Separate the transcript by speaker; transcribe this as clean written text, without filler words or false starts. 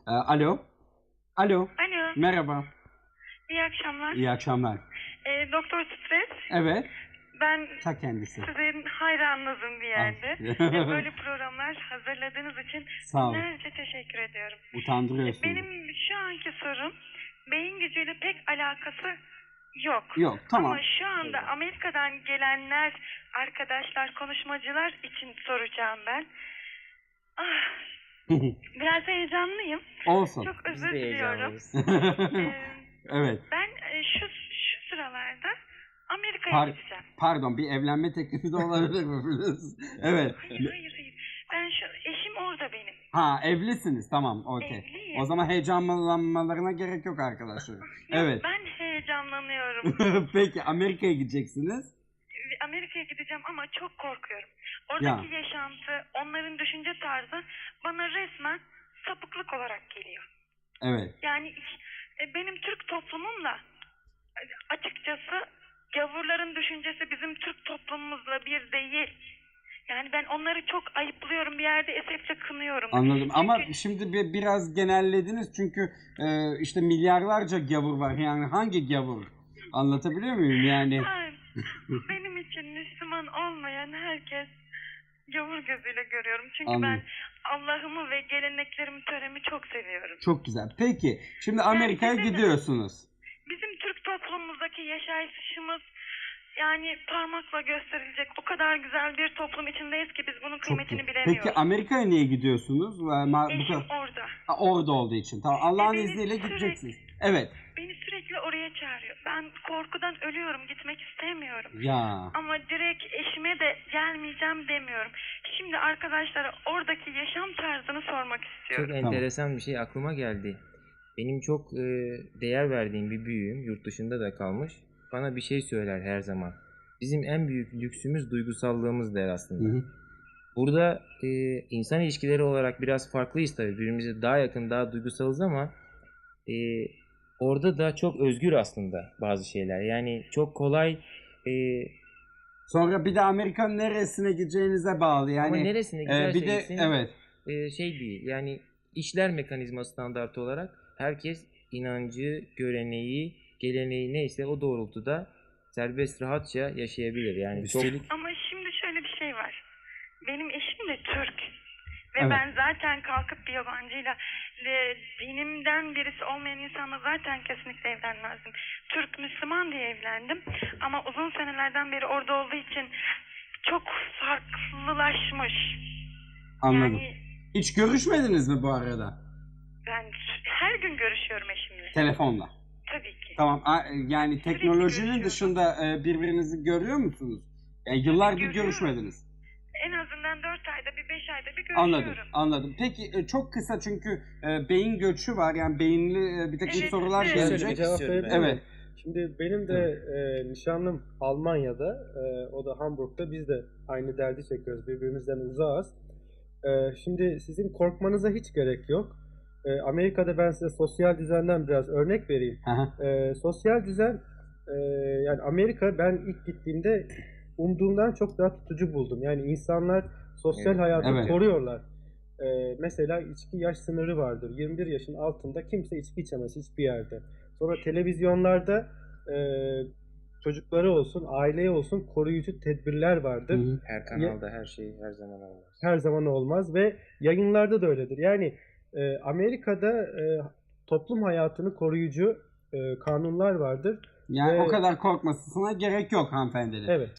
Speaker 1: Alo. Alo.
Speaker 2: Alo,
Speaker 1: Merhaba.
Speaker 2: iyi akşamlar.
Speaker 1: İyi akşamlar.
Speaker 2: Doktor Stres,
Speaker 1: Evet.
Speaker 2: ben
Speaker 1: Ta kendisi.
Speaker 2: sizin hayranınızım bir yerde.
Speaker 1: Ah.
Speaker 2: Böyle programlar hazırladığınız için
Speaker 1: Sağ olun.
Speaker 2: binlerce teşekkür ediyorum.
Speaker 1: Utandırıyorsunuz.
Speaker 2: Benim şu anki sorum, beyin gücüyle pek alakası yok.
Speaker 1: Yok, tamam.
Speaker 2: Ama şu anda Amerika'dan gelenler, arkadaşlar, konuşmacılar için soracağım ben. Ah, biraz heyecanlıyım.
Speaker 1: Olsun.
Speaker 2: Çok
Speaker 3: Biz
Speaker 2: özür
Speaker 3: de
Speaker 2: diliyorum.
Speaker 3: heyecanlıyız.
Speaker 1: Evet.
Speaker 2: Ben şu sıralarda Amerika'ya gideceğim.
Speaker 1: Pardon, bir evlenme teklifi de olabilir mi Filiz? Evet.
Speaker 2: Hayır. Ben eşim orada benim.
Speaker 1: Ha, evlisiniz. Tamam, okey.
Speaker 2: Evliyim.
Speaker 1: O zaman heyecanlanmalarına gerek yok arkadaşlar. Evet.
Speaker 2: Ben heyecanlanıyorum.
Speaker 1: Peki, Amerika'ya gideceksiniz.
Speaker 2: Amerika'ya gideceğim ama çok korkuyorum. Oradaki yaşantı, onların düşünce tarzı bana resmen sapıklık olarak geliyor.
Speaker 1: Evet.
Speaker 2: Yani benim Türk toplumumla açıkçası gavurların düşüncesi bizim Türk toplumumuzla bir değil. Yani ben onları çok ayıplıyorum, bir yerde esefle kınıyorum.
Speaker 1: Anladım.
Speaker 2: Çünkü...
Speaker 1: Ama şimdi biraz genellediniz çünkü işte milyarlarca gavur var. Yani hangi gavur? Anlatabiliyor muyum yani?
Speaker 2: Hayır. Benim için Müslüman olmayan herkes gavur gözüyle görüyorum. Çünkü
Speaker 1: Anladım.
Speaker 2: ben Allah'ımı ve geleneklerimi, töremi çok seviyorum.
Speaker 1: Çok güzel. Peki, şimdi Amerika'ya gidiyorsunuz.
Speaker 2: Bizim Türk toplumumuzdaki yaşayışımız yani parmakla gösterilecek o kadar güzel bir toplum içindeyiz ki biz bunun kıymetini bilemiyoruz.
Speaker 1: Peki Amerika'ya niye gidiyorsunuz?
Speaker 2: Eşim orada.
Speaker 1: Orada olduğu için. Tamam. Allah'ın
Speaker 2: beni
Speaker 1: izniyle
Speaker 2: sürekli-
Speaker 1: gideceksiniz. Evet.
Speaker 2: Beni sürekli oraya çağırıyor. Ben korkudan ölüyorum, gitmek istemiyorum.
Speaker 1: Ya.
Speaker 2: Ama direkt eşime de gelmeyeceğim demiyorum. Şimdi arkadaşlara oradaki yaşam tarzını sormak istiyorum.
Speaker 3: Çok enteresan bir şey aklıma geldi. Benim çok değer verdiğim bir büyüğüm, yurt dışında da kalmış. Bana bir şey söyler her zaman. Bizim en büyük lüksümüz duygusallığımız der aslında.
Speaker 1: Hı hı.
Speaker 3: Burada insan ilişkileri olarak biraz farklıyız tabii. Birbirimize daha yakın, daha duygusalız ama orada da çok özgür aslında bazı şeyler. Yani çok kolay
Speaker 1: Sonra bir de Amerika'nın neresine gideceğinize bağlı. Yani,
Speaker 3: ama neresine giderse
Speaker 1: bir de
Speaker 3: gitsin,
Speaker 1: evet.
Speaker 3: şey değil. Yani işler mekanizma standartı olarak herkes inancı, göreneği, geleneği neyse o doğrultuda serbest rahatça yaşayabilir. Yani
Speaker 1: Üstelik
Speaker 2: Ama şimdi şöyle bir şey var. Benim eşim de Türk. Ve
Speaker 1: Evet.
Speaker 2: ben zaten kalkıp bir yabancıyla dinimden birisi olmayan insanla zaten kesinlikle evlenmezdim. Türk Müslüman diye evlendim. Ama uzun senelerden beri orada olduğu için çok farklılaşmış.
Speaker 1: anladım.
Speaker 2: Yani
Speaker 1: Hiç görüşmediniz mi bu arada?
Speaker 2: ben her gün görüşüyorum eşimle.
Speaker 1: Telefonla.
Speaker 2: Tabii ki.
Speaker 1: Tamam. Yani teknolojinin
Speaker 2: görüşüyorum.
Speaker 1: dışında birbirinizi görüyor musunuz? Yani yıllardır
Speaker 2: görüyorum.
Speaker 1: görüşmediniz.
Speaker 2: En azından 4 ayda bir, 5 ayda bir görüşüyorum.
Speaker 1: Anladım. Peki çok kısa çünkü beyin göçü var. Yani beyinli bir takım
Speaker 2: Evet,
Speaker 1: sorular
Speaker 2: evet.
Speaker 1: gelecek.
Speaker 4: Şöyle bir cevap verebilir miyim?
Speaker 1: Evet.
Speaker 4: Şimdi benim de nişanlım Almanya'da, o da Hamburg'da. Biz de aynı derdi çekiyoruz. Birbirimizden uzağız. Şimdi sizin korkmanıza hiç gerek yok. Amerika'da ben size sosyal düzenden biraz örnek vereyim.
Speaker 1: Aha.
Speaker 4: Sosyal düzen, yani Amerika ben ilk gittiğimde umduğumdan çok daha tutucu buldum. Yani insanlar sosyal
Speaker 3: Evet.
Speaker 4: hayatı
Speaker 1: Evet.
Speaker 4: koruyorlar. Mesela içki yaş sınırı vardır. 21 yaşın altında kimse içki içemez hiçbir yerde. Sonra televizyonlarda çocukları olsun, aileye olsun koruyucu tedbirler vardır.
Speaker 1: Hı hı.
Speaker 3: her kanalda her şey her zaman olmaz.
Speaker 4: Her zaman olmaz ve yayınlarda da öyledir. Yani Amerika'da toplum hayatını koruyucu kanunlar vardır.
Speaker 1: Yani
Speaker 4: Ve-
Speaker 1: o kadar korkmasına gerek yok hanımefendinin.
Speaker 4: Evet.